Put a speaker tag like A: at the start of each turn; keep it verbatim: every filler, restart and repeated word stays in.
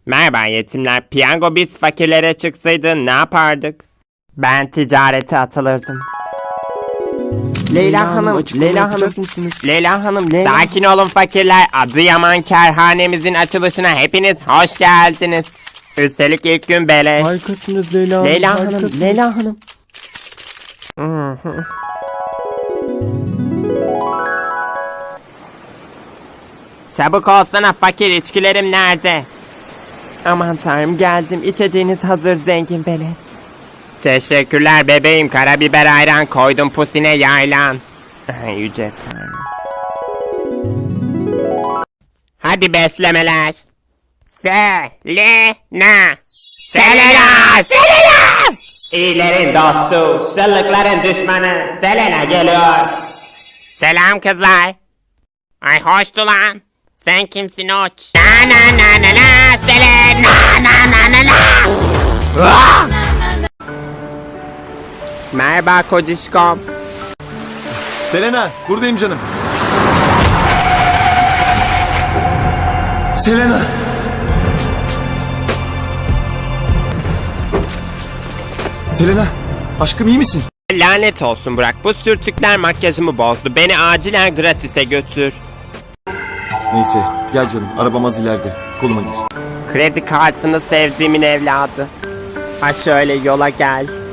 A: Merhaba yetimler. Piyango biz fakirlere çıksaydı ne yapardık? Ben ticarete atılırdım. Leyla Hanım, Leyla Hanım, Leyla Hanım, sakin olun fakirler. Adıyaman Kerhanemizin açılışına hepiniz hoş geldiniz. Üstelik ilk gün beleş.
B: Harikasınız Leyla Hanım.
A: Leyla Hanım,
B: harikasınız.
A: Leyla Hanım. Çabuk olsana fakir, içkilerim nerede? Aman tanrım, geldim. İçeceğiniz hazır zengin belet. Teşekkürler bebeğim. Karabiber ayran koydum pusine yaylan. Yüce tanrım. Hadi beslemeler. Selena. Selena. Selena. İyilerin dostu, şıllıkların düşmanı Selena geliyor. Selam kızlar. Ay hoştu lan. Sen kimsin oç? Na na na na na Selena na na na na. Ah! Merhaba kocişkom.
B: Selena, buradayım canım. Selena. Selena, aşkım iyi misin?
A: Lanet olsun Burak. Bu sürtükler makyajımı bozdu. Beni acilen gratis'e götür.
B: Neyse, gel canım. Arabam az ileride. Koluma gir.
A: Kredi kartını sevdiğimin evladı. Ha şöyle yola gel.